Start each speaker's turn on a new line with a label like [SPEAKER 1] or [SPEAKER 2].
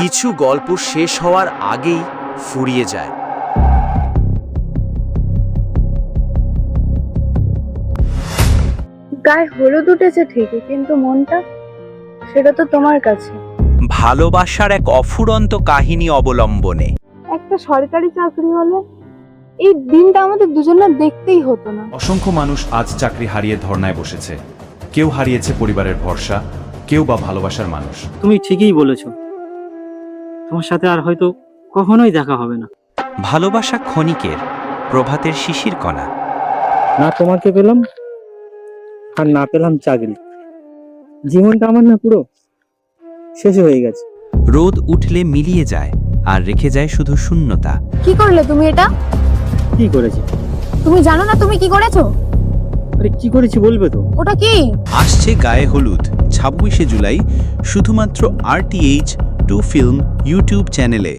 [SPEAKER 1] কিছু গল্প শেষ হওয়ার আগেই ফুরিয়ে যায়।
[SPEAKER 2] গায়ে হলুদ উঠেছে ঠিকই, কিন্তু মনটা সেটা তো তোমার কাছে।
[SPEAKER 1] ভালোবাসার এক অফুরন্ত কাহিনী অবলম্বনে
[SPEAKER 2] একটা সরকারি চাকরি হলে এই দিনটা আমাদের দুজনের দেখতেই হতো না।
[SPEAKER 3] অসংখ্য মানুষ আজ চাকরি হারিয়ে ধর্নায় বসেছে। কেউ হারিয়েছে পরিবারের ভরসা, কেউ বা ভালোবাসার মানুষ।
[SPEAKER 4] তুমি ঠিকই বলেছ, তোমার সাথে আর হয়তো কখনোই দেখা হবে না।
[SPEAKER 1] ভালোবাসা ক্ষণিকের, প্রভাতের শিশির কণা।
[SPEAKER 4] না তোমাকে পেলাম আর না পেলাম চাকরি, জীবনটা আমার না পুরো শেষ হয়ে গেছে।
[SPEAKER 1] রোদ উঠলে মিলিয়ে যায় আর রেখে যায় শুধু শূন্যতা।
[SPEAKER 2] কি করলে তুমি এটা?
[SPEAKER 4] কি করেছি?
[SPEAKER 2] তুমি জানো না তুমি কি করেছো?
[SPEAKER 4] আরে কি করেছি বলবে তো?
[SPEAKER 2] ওটা কি?
[SPEAKER 1] আসছে গায়ে হলুদ 26শে জুলাই, শুধুমাত্র RTH 2 ফিল্ম ইউটিউব চ্যানেলে।